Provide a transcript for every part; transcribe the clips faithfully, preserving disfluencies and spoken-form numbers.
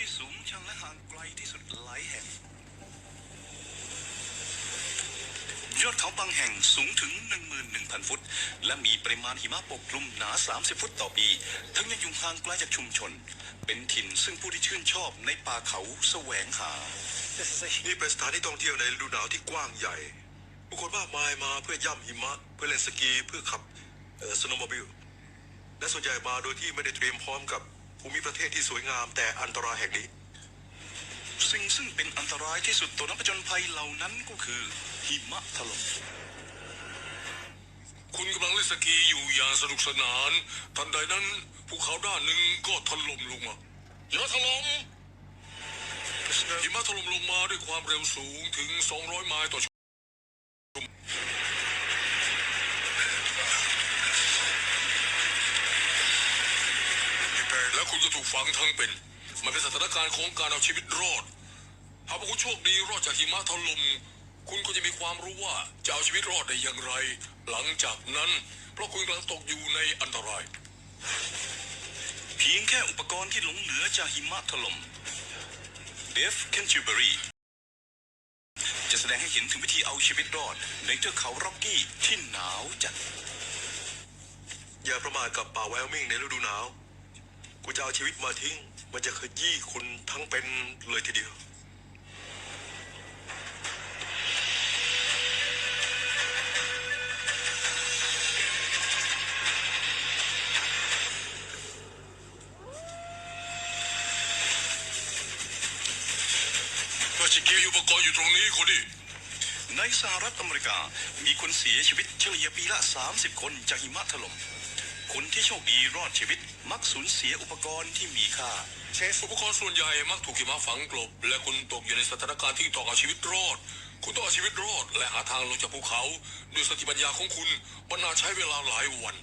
ที่สูงชันและห่างไกลที่สุดหลายแห่งยอดเขาบางแห่งสูงถึง หนึ่งหมื่นหนึ่งพัน ฟุตและมีปริมาณหิมะปกคลุมหนา สามสิบ ฟุตต่อปีทั้งยังอยู่ห่างไกลจากชุมชนเป็นถิ่นซึ่งผู้ที่ชื่นชอบในป่าเขาแสวงหานี่เป็นสถานที่ท่องเที่ยวในฤดูหนาวที่กว้างใหญ่ผู้คนมากมายมาเพื่อย่ำหิมะเพื่อเล่นสกีเพื่อขับสโนว์โมบิลและส่วนใหญ่มาโดยที่ไม่ได้เตรียมพร้อมกับภูมิประเทศที่สวยงามแต่อันตรายแห่งนี้สิ่งซึ่งเป็นอันตรายที่สุดต่อนักผจญภัยเหล่านั้นก็คือหิมะถล่มคุณกำลังเล่นสกีอยู่อย่างสนุกสนานทันใดนั้นภูเขาด้านหนึ่งก็ถล่มลงมาหิมะถล่มหิมะถล่มลงมาด้วยความเร็วสูงถึงสองร้อยไมล์ต่อชั่วโมงและคุณจะถูกฝังทั้งเป็นมันเป็นสถานการณ์ของการเอาชีวิตรอดหากคุณโชคดีรอดจากหิมะถล่มคุณก็จะมีความรู้ว่าจะเอาชีวิตรอดได้อย่างไรหลังจากนั้นเพราะคุณกำลังตกอยู่ในอันตรายเพียงแค่อุปกรณ์ที่หลงเหลือจากหิมะถล่มเดฟ เคนทิวเบอรีจะแสดงให้เห็นถึงวิธีเอาชีวิตรอดในเทือกเขาร็อกกี้ที่หนาวจัดอย่าประมาทกับป่าไวโอมิงในฤดูหนาวคุณจะเอาชีวิตมาทิ้งมันจะขยี้คุณทั้งเป็นเลยทีเดียวสกีอุปกรณ์อยู่ตรงนี้คนดิในสหรัฐอเมริกามีคนเสียชีวิตเฉลี่ยปีละสามสิบคนจากหิมะถล่มคนที่โชคดีรอดชีวิตมักสูญเสียอุปกรณ์ที่มีค่าเช่นอุปกรณ์ส่วนใหญ่มักถูกหิมะฝังกลบและคุณตกอยู่ในสถานการณ์ที่ต้องเอาชีวิตรอดคุณต้องเอาชีวิตรอดและหาทางลงจากภูเขาด้วยสติปัญญาของคุณมันน่าใช้เวลาหลายวัน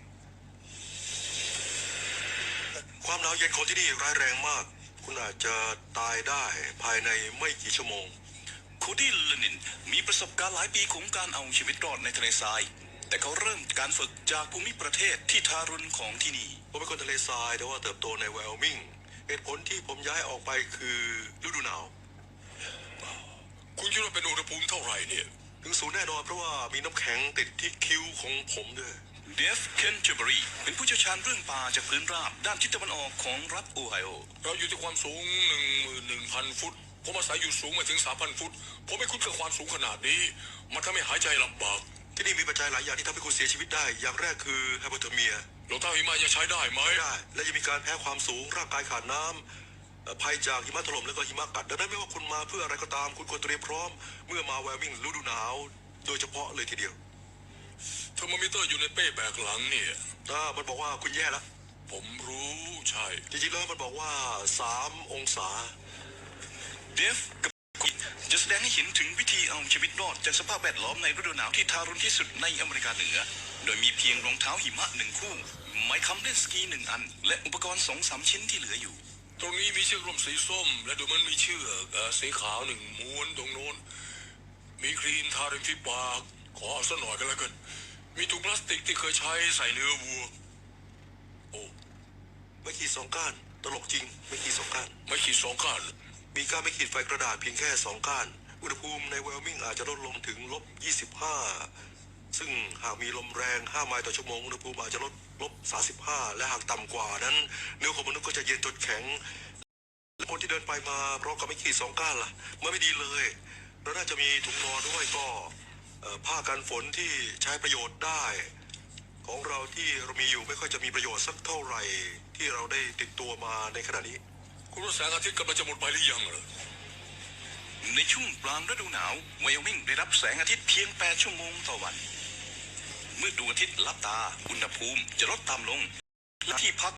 ความหนาวเย็นของที่นี่ร้ายแรงมากคุณอาจจะตายได้ภายในไม่กี่ชั่วโมงโคดี้ เลนินมีประสบการณ์หลายปีของการเอาชีวิตรอดในทะเลทรายแต่เขาเริ่มการฝึกจากภูมิประเทศที่ทารุณของที่นี่ผมเป็นคนทะเลทรายแต่ว่าเติบโตในไวโอมิงเหตุผลที่ผมย้ายออกไปคือฤดูหนาวคุณคิดว่าเป็นอุณหภูมิเท่าไหร่เนี่ยถึงศูนย์แน่นอนเพราะว่ามีน้ำแข็งติดที่คิ้วของผมด้วยเดฟ เคนทิวเบอรีเป็นผู้เชี่ยวชาญเรื่องป่าจากพื้นราบด้านทิศตะวันออกของรัฐโอไฮโอเราอยู่ที่ความสูง หนึ่งหมื่นหนึ่งพัน ฟุตผมอาศัยอยู่สูงมาถึง สามพัน ฟุตผมไม่คุ้นกับความสูงขนาดนี้มันทำให้หายใจลำบากที่นี่มีปัจจัยหลายอย่างที่ทำให้คุณเสียชีวิตได้อย่างแรกคือไฮโปเทอร์เมียรองเท้าหิมะยังใช้ได้ไหมได้และยังมีการแพ้ความสูงร่างกายขาดน้ำภัยจากหิมะถล่มและก็หิมะกัดดังนั้นไม่ว่าคุณมาเพื่ออะไรก็ตามคุณควรเตรียมพร้อมเมื่อมาไวโอมิงฤดูหนาวโดยเฉพาะเลยทีเดียวเทอร์โมมิเตอร์อยู่ในเป้แบกหลังเนี่ยอ่ามันบอกว่าคุณแย่แล้วผมรู้ใช่จริงๆแล้วมันบอกว่าสามองศาเดฟกับจะแสดงให้เห็นถึงวิธีเอาชีวิตรอดจากสภาพแวดล้อมในฤดูหนาวที่ทารุณที่สุดในอเมริกาเหนือโดยมีเพียงรองเท้าหิมะหนึ่งคู่ไม้ค้ำเล่นสกีหนึ่งอันและอุปกรณ์สองสามชิ้นที่เหลืออยู่ตรงนี้มีเชือกร่มสีส้มและดูมันมีเชือกสีขาวหนึ่งม้วนตรงโน้นมีครีมทาริมฝีปากขอสักหน่อยกันแล้วกันมีถุงพลาสติกที่เคยใช้ใส่เนื้อวัวโอ้ไม่ขีดสองก้านตลกจริงไม่ขีดสองก้านไม่ขีดสองก้านมีก้านไม่ขีดไฟกระดาษเพียงแค่สองก้านอุณหภูมิในไวโอมิงอาจจะลดลงถึงลบยี่สิบห้าซึ่งหากมีลมแรงห้าไมล์ต่อชั่วโมงอุณหภูมิอาจจะลดลบสามสิบห้าและหากต่ำกว่านั้นเนื้อของมนุษย์ก็จะเย็นจนแข็งและคนที่เดินไปมาพร้อมกับไม่ขีดสองก้านล่ะมันไม่ดีเลยเราน่าจะมีถุงนอนด้วยก็ผ้ากันฝนที่ใช้ประโยชน์ได้ของเราที่เรามีอยู่ไม่ค่อยจะมีประโยชน์สักเท่าไหร่ที่เราได้ติดตัวมาในขณะนี้คุณว่าแสงอาทิตย์กำลังจะหมดไปหรือยังเหรอในช่วงกลางฤดูหนาวไวโอมิงได้รับแสงอาทิตย์เพียงแปดชั่วโมงต่อวันเมื่อดวงอาทิตย์ลับตาอุณหภูมิจะลดต่ำลงและที่พัก